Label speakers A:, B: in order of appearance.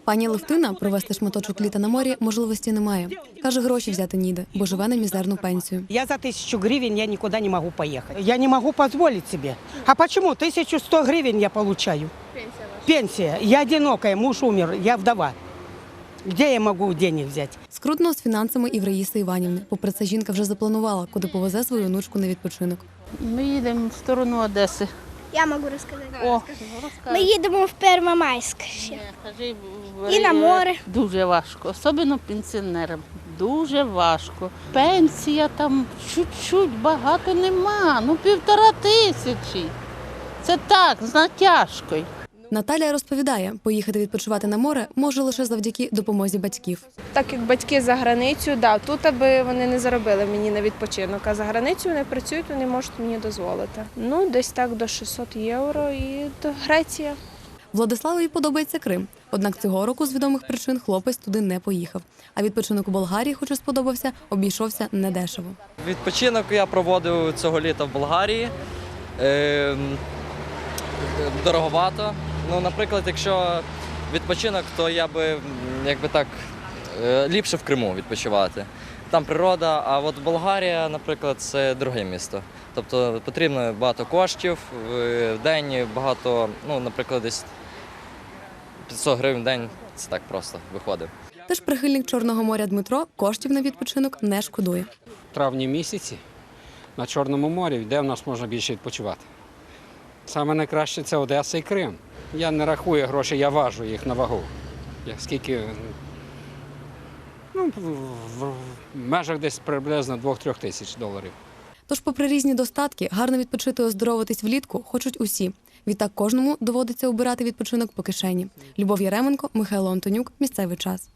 A: Пані Левтина провести шматочок літа на морі можливості немає. Каже, гроші взяти ніде, бо живе на мізерну пенсію.
B: Я за 1000 гривен я никуда не могу поехать. Я не могу позволить себе. А почему? 1100 гривен я получаю. Пенсия. Я одинокая, муж умер, я вдова. Где я могу денег взять?
A: Скрутно з фінансами і в Раїси Іванівни. Попри це, жінка вже запланувала, куди повезе свою онучку на відпочинок.
C: Ми їдемо в сторону Одеси.
D: Я можу розказати.
C: О,
D: Ми їдемо в Первомайськ ще. І на море.
C: Дуже важко, особливо пенсіонерам. Дуже важко. Пенсія там чуть-чуть, багато нема. 1500. Це так, з натяжкою.
A: Наталія розповідає, поїхати відпочивати на море може лише завдяки допомозі батьків.
E: Так як батьки за границю, тут аби вони не заробили мені на відпочинок, а за границю вони працюють, вони можуть мені дозволити. Десь так до 600 євро і до Греція.
A: Владиславові подобається Крим. Однак цього року з відомих причин хлопець туди не поїхав. А відпочинок у Болгарії, хоч і сподобався, обійшовся недешево.
F: Відпочинок я проводив цього літа в Болгарії. Дороговато. Наприклад, якщо відпочинок, то я би ліпше в Криму відпочивати. Там природа, а от Болгарія, наприклад, це дороге місто. Тобто потрібно багато коштів в день, багато, наприклад, десь 500 гривень в день, це так просто виходить.
A: Тож прихильник Чорного моря Дмитро коштів на відпочинок не шкодує.
G: В травні місяці на Чорному морі, де в нас можна більше відпочивати. Саме найкраще – це Одеса і Крим. Я не рахую гроші, я важу їх на вагу. Скільки, в межах десь приблизно 2-3 тисяч доларів.
A: Тож, попри різні достатки, гарно відпочити і оздоровитись влітку хочуть усі. Відтак кожному доводиться обирати відпочинок по кишені. Любов Яременко, Михайло Антонюк. Місцевий час.